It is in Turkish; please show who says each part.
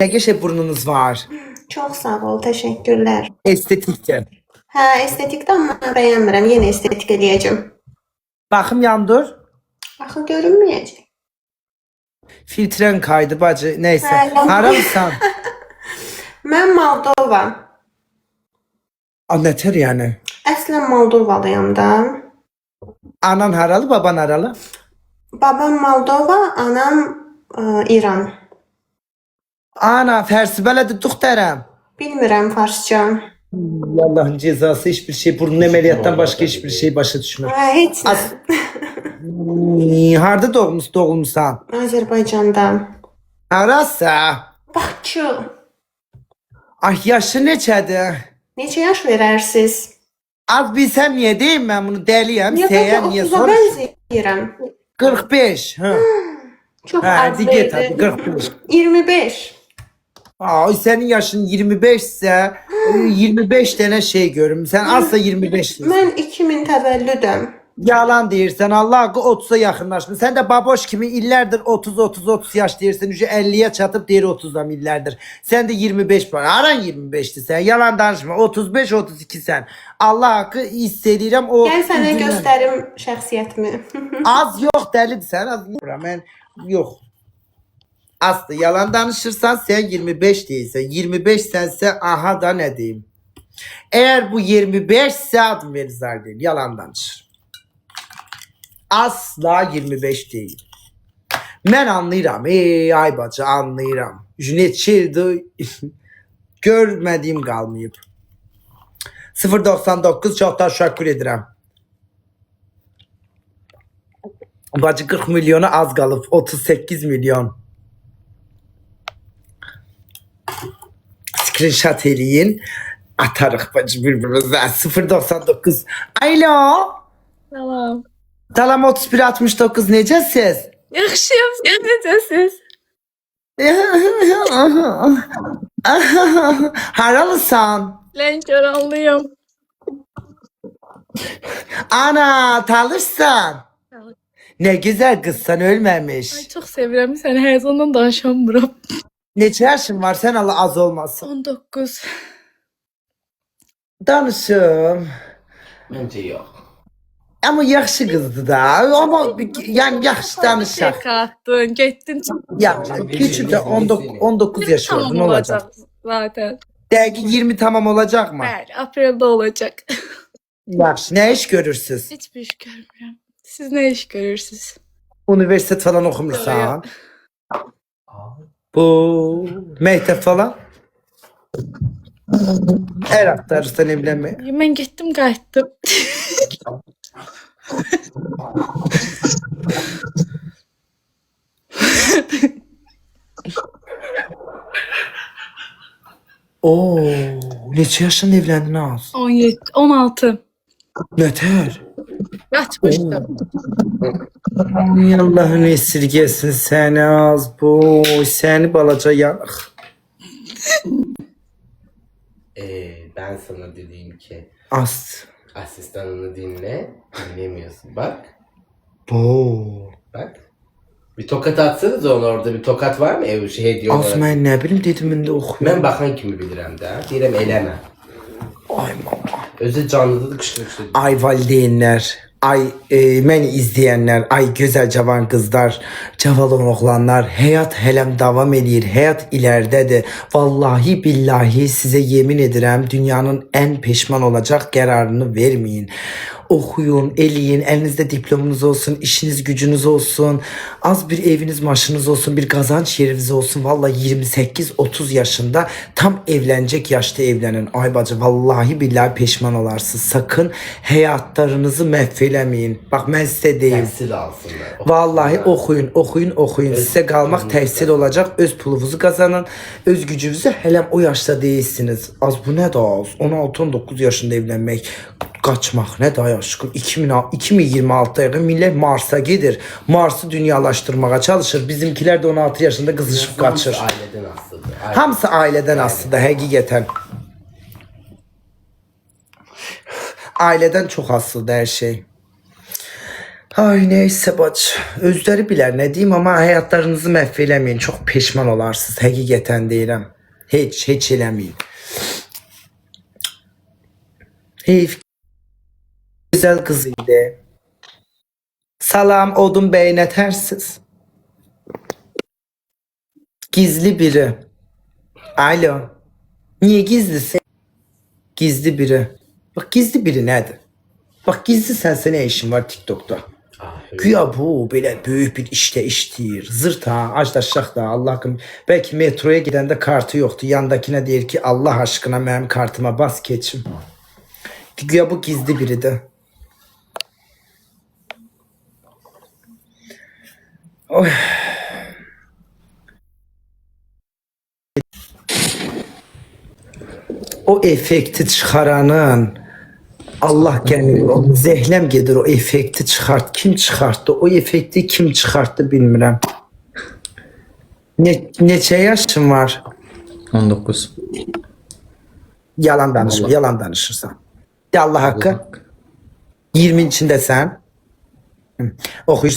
Speaker 1: Ne geçe burnunuz var?
Speaker 2: Çok sağ ol, teşekkürler.
Speaker 1: Estetikçe.
Speaker 2: Hə, estetikdən mən bəyənmirəm, yenə estetik eləyəcəm.
Speaker 1: Bakım yandır.
Speaker 2: Axı görünməyəcək.
Speaker 1: Filtren kaydı bacı. Neyse.
Speaker 2: Ha, yandı.
Speaker 1: Haramsan.
Speaker 2: Mən Moldova.
Speaker 1: Neter yani?
Speaker 2: Əslən Moldovalıyam da.
Speaker 1: Anan haralı, baban haralı?
Speaker 2: Babam Moldova, anam İran.
Speaker 1: Ana, fersi beledi duhterem.
Speaker 2: Bilmirəm farsça.
Speaker 1: Allah'ın cezası hiçbir şey. Burnun ameliyattan başka hiçbir şey başa düşmür.
Speaker 2: Hə, heç nə.
Speaker 1: Harda doğulmuşsan?
Speaker 2: Azərbaycanda.
Speaker 1: Harasa?
Speaker 2: Bakı.
Speaker 1: Ay yaşı neçədir?
Speaker 2: Neçə yaş verərsiniz?
Speaker 1: Az bilsem niye değil ben bunu deliyem.
Speaker 2: Niyə
Speaker 1: Seyen
Speaker 2: bəlkə
Speaker 1: niye
Speaker 2: 30-a
Speaker 1: sor?
Speaker 2: bənzəyirəm?
Speaker 1: 45. Ha.
Speaker 2: Çox
Speaker 1: Ha,
Speaker 2: az
Speaker 1: dige tabii
Speaker 2: verdi.
Speaker 1: 45.
Speaker 2: 25.
Speaker 1: Ay senin yaşın 25 ise 25 tane şey görüm. Sen asla 25 değilsin.
Speaker 2: Mən 2000 təvəllüdəm.
Speaker 1: Yalan deyirsən. Allah haqqı 30'a yaxınlaşmış. Sen de baboş kimi illərdir 30 yaş deyirsən. Ücə 50'ye çatıp deyir 30'dan illərdir. Sen de 25 var. Aran 25'ti sen. Yalan danışma. 35 32 sen. Allah haqqı istəyirəm o.
Speaker 2: Gəl sənə göstərim şəxsiyyətimi.
Speaker 1: Az yok delidir sen. Az ben yok. Aslı yalan danışırsan sen 25 değilsen. 25 sense aha da ne diyeyim. Eğer bu 25 ise adım verizar değil. Yalan danışır. Asla 25 değil. Ben anlayıram. Ey ay bacı anlayıram. Neçildi görmediğim kalmayıp. 0.99 çok teşekkür ederim. Bacı 40 milyonu az kalıp 38 milyon. Screenshot eləyin. Atarıq bacı birbirimize. 0.99. Alo.
Speaker 3: Salam.
Speaker 1: Salam 3169 necəsiz?
Speaker 3: Yaxşıyam, siz necəsiz?
Speaker 1: Haralısan?
Speaker 3: Lənkəranlıyam.
Speaker 1: Ana talırsan. Ne güzel kızsan ölmemiş.
Speaker 3: Ay, çox sevirəm səni, həyəcandan danışamıram.
Speaker 1: Neçə yaşın var sen Allah az olmasın.
Speaker 3: 19.
Speaker 1: Danışım.
Speaker 4: Bence yok.
Speaker 1: Ama yaxşı kızdı da. Ama yani yaxşı danışaq.
Speaker 3: Şaka attın, getdin.
Speaker 1: Ya küçük de 19 yaş oldu
Speaker 3: Tamam
Speaker 1: ne olacak?
Speaker 3: olacaq zaten.
Speaker 1: Belki 20 tamam olacak mı?
Speaker 3: Bəli, apreldə olacaq.
Speaker 1: Yaxşı. Ne iş görürsünüz?
Speaker 3: Heç bir iş görmürəm. Siz nə iş görürsünüz?
Speaker 1: Üniversite falan okumursan. Bu mektep falan. Her aktarırsan evlenmeye.
Speaker 3: Mən getdim, qayıtdım.
Speaker 1: Oo, neçə yaşında evlendin az?
Speaker 3: 17, 16.
Speaker 1: Neter?
Speaker 3: Qaçmışdım.
Speaker 1: Ay Allah'ın esirgesin seni az bu. Seni balaca yanıq.
Speaker 4: Ben sana dediğim ki
Speaker 1: Az.
Speaker 4: asistanını dinle. Dinlemiyorsun. Bak.
Speaker 1: Bu.
Speaker 4: Bak. Bir tokat atsanız ona orada bir tokat var mı? Şey hediye
Speaker 1: Az
Speaker 4: olarak.
Speaker 1: mən nə bilim dedim indi oxuyum.
Speaker 4: Ben bakan kimi bilirəm də. Deyirəm eləmə.
Speaker 1: Ay mama.
Speaker 4: Özü canlıda da qışqırıqdır.
Speaker 1: Ay valideynlər, ay məni izləyənlər, ay gözəl cavan qızlar, cavan oğlanlar, həyat hələm davam edir, həyat ilərdədir. Vallahi billahi sizə yemin edirəm, dünyanın ən peşman olacaq qərarını verməyin. Okuyun, eləyin, elinizde diplomunuz olsun, işiniz gücünüz olsun, az bir eviniz maşınız olsun, bir kazanç yeriniz olsun. Vallahi 28-30 yaşında tam evlenecek yaşta evlenin. Ay bacı vallahi billahi peşman olarsınız. Sakın hayatlarınızı mahvelemeyin. Bak ben size deyim.
Speaker 4: Təhsil alsınlar.
Speaker 1: Vallahi okuyun. Size kalmak təhsil olacak. Öz pulunuzu kazanın. Öz gücünüzü helem o yaşta değilsiniz. Az bu ne daha az. 16-19 yaşında evlenmek. Kaçmak ne daha aşkım. 2026'da yakın millet Mars'a gelir. Mars'ı dünyalaştırmaya çalışır. Bizimkiler de 16 yaşında kızışıp kaçır.
Speaker 4: Aileden asıldı.
Speaker 1: Hamısı aileden aslında həqiqətən. Aileden çok aslında her şey. Ay neyse bacı. Özləri bilər nə deyim, amma həyatlarınızı məhv eləməyin. Çox peşman olarsınız. Həqiqətən deyirəm. Heç eləməyin. Heyf. Güzel kız idi. Salam Odun Bey, nə tərsiz? Gizli biri. Alo. Niye gizlisin? Gizli biri. Bak gizli biri nədir? Bak gizli sense ne işin var TikTok'ta? Güya bu böyle büyük bir işte işləyir. Zırt ha, acdaşaq da Allah haqqım. Belki metroya gidəndə kartı yoktu. Yandakine deyir ki Allah aşkına mənim kartıma bas keçim. Güya bu gizli biridir. Oy. O efekti çıxaranın Allah gəlir, o zehləm gedir o efekti çıxart. Kim çıxartdı? O efekti kim çıxartdı bilmirəm. Neçə yaşın var?
Speaker 5: 19.
Speaker 1: Yalan danışma, yalan danışırsan. De Allah haqqı. 20 içindəsən. Oxuyursan.